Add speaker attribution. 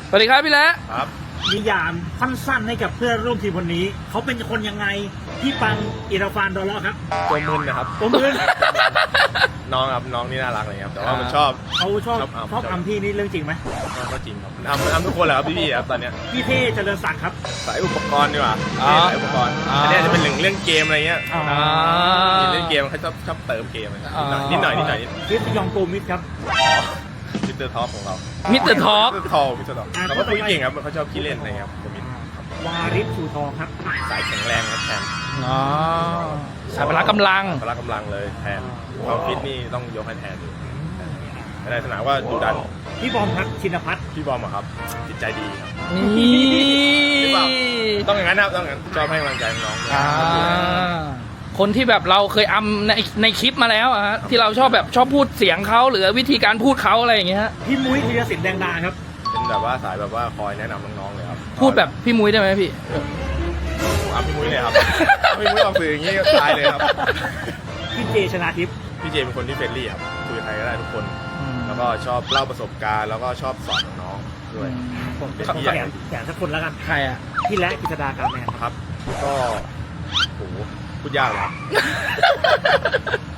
Speaker 1: สวัสดีครับพี่แล้ว
Speaker 2: ครับ
Speaker 3: นิยามสั้นๆให้กับเพื่อนร่วมทีมคนนี้เขาเป็นคนยังไงพี่ปังอิราฟานดอลเลาะครับ
Speaker 2: ตัวมึนนะครับ
Speaker 3: ตัวมือ
Speaker 2: น้องครับน้องนี่น่ารักเลยครับแต่ว่ามันชอบ
Speaker 3: เขาชอบ
Speaker 2: ชอบ
Speaker 3: อัมพี่นี่เรื่องจริงไหม
Speaker 2: ก็จริงครับทำทุกคนแหละครับพี่ๆครับตอนเนี้ย
Speaker 3: พี่เท่เจริญศักดิ์ครับ
Speaker 2: สายอุปกรณ์ดีกว่าสายอุปกรณ์อันนี้จะเป็นเรื่องเกมอะไรเงี้ย
Speaker 3: อ๋อ
Speaker 2: เล่นเกมเขาชอบเติมเกมนิดหน่อย
Speaker 3: คริสยองโกมิดครับ
Speaker 2: มิสเตอร์ท็อปของเรา
Speaker 1: มิสเตอร์ท็อป
Speaker 2: มิสเตอร์ท็อปเราก็คุยเก่งครับเขาชอบขี้เล่นอะไรครับผมมิส
Speaker 3: วาริสชูทองครับ
Speaker 2: สายแข็งแรงครับแทน
Speaker 1: อ๋อสายพละกำลัง
Speaker 2: พละกำลังเลยแทนความฟิตนี่ต้องยกให้แทนอยู่ในสนามว่าดูดัน
Speaker 3: พี่บอมครับชินพัฒน์
Speaker 2: พี่บอมอะครับจิตใจดีครับ
Speaker 1: นี่
Speaker 2: หรือเปล่า ต้องอย่างนั้นนะครับต้องอย่างนั้นชอบให้กำลังใจน้องๆด้วย
Speaker 1: อ่าคนที่แบบเราเคยอัมในคลิปมาแล้วอะฮะที่เราชอบแบบชอบพูดเสียงเขาหรือวิธีการพูดเขาอะไรอย่างเงี้ยฮะ
Speaker 3: พี่มุ้ยธีรศิลป์แดงดาครับ
Speaker 2: เป็นแบบว่าสายแบบว่าคอยแนะนำน้องๆเลยครับ
Speaker 1: พูดแบบพี่มุ้ยได้ไหมพี่
Speaker 2: เอาพี่มุ้ยเลยครับพี่มุ้ยออกสื่ออย่างนี้ก็ตายเลยครับ
Speaker 3: พี่เจชนาทิพย์
Speaker 2: พี่เจเป็นคนที่เฟรนลี่ครับคุยกับใครก็ได้ทุกคน
Speaker 1: อืม
Speaker 2: แล้วก็ชอบเล่าประสบการณ์แล้วก็ชอบสอนน้องๆด้วย
Speaker 3: ผม
Speaker 2: เป็น
Speaker 3: ขอ
Speaker 2: พี่ใหญ่
Speaker 3: แถมสักคนแล้วกัน
Speaker 1: ใครอ่ะ
Speaker 3: พี่และกิษดาการแมนครับ
Speaker 2: ครับ ก็โหพูดยากเลยครับ